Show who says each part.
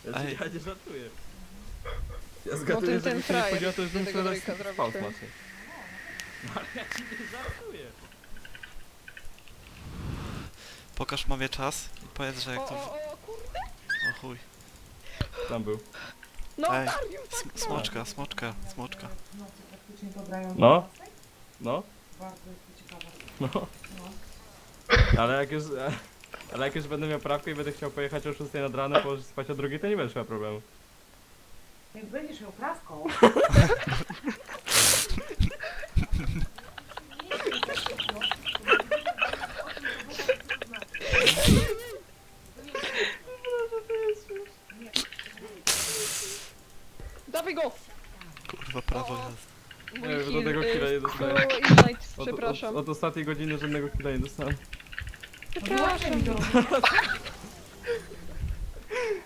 Speaker 1: Ej.
Speaker 2: Ja nie żartuję. Ja
Speaker 3: No
Speaker 2: zgaduję,
Speaker 3: ten
Speaker 2: że mi się nie
Speaker 3: frajer
Speaker 2: chodziło, to już bym
Speaker 3: tego
Speaker 2: sobie
Speaker 3: Drake'a zrobił,
Speaker 2: spał
Speaker 3: ty.
Speaker 2: znaczy. No ale ja ci nie żartuję.
Speaker 1: Pokaż mamie czas i powiedz, że jak to...
Speaker 3: O kurde!
Speaker 1: O chuj.
Speaker 2: Tam był.
Speaker 3: No,
Speaker 1: Ej,
Speaker 3: Dariusz, tak, no.
Speaker 1: Smoczka, smoczka, smoczka.
Speaker 4: No, to faktycznie pobrają
Speaker 2: No.
Speaker 4: do 12?
Speaker 2: No,
Speaker 4: Bardzo jest to ciekawe.
Speaker 2: no.
Speaker 4: No.
Speaker 2: Ale jak już będę miał prawkę i będę chciał pojechać o 6 nad ranem, położyć spać o 2, to nie będziesz miał problemu.
Speaker 4: Jak będziesz ją prawką.
Speaker 3: Dawaj go!
Speaker 1: Kurwa, prawo
Speaker 3: O.
Speaker 1: jazdy.
Speaker 3: Mój
Speaker 2: Nie,
Speaker 3: heal,
Speaker 2: żadnego killa nie dostałem.
Speaker 3: Ignite, przepraszam.
Speaker 2: Od ostatniej godziny żadnego killa nie dostałem.
Speaker 4: No, wyłączaj mi to.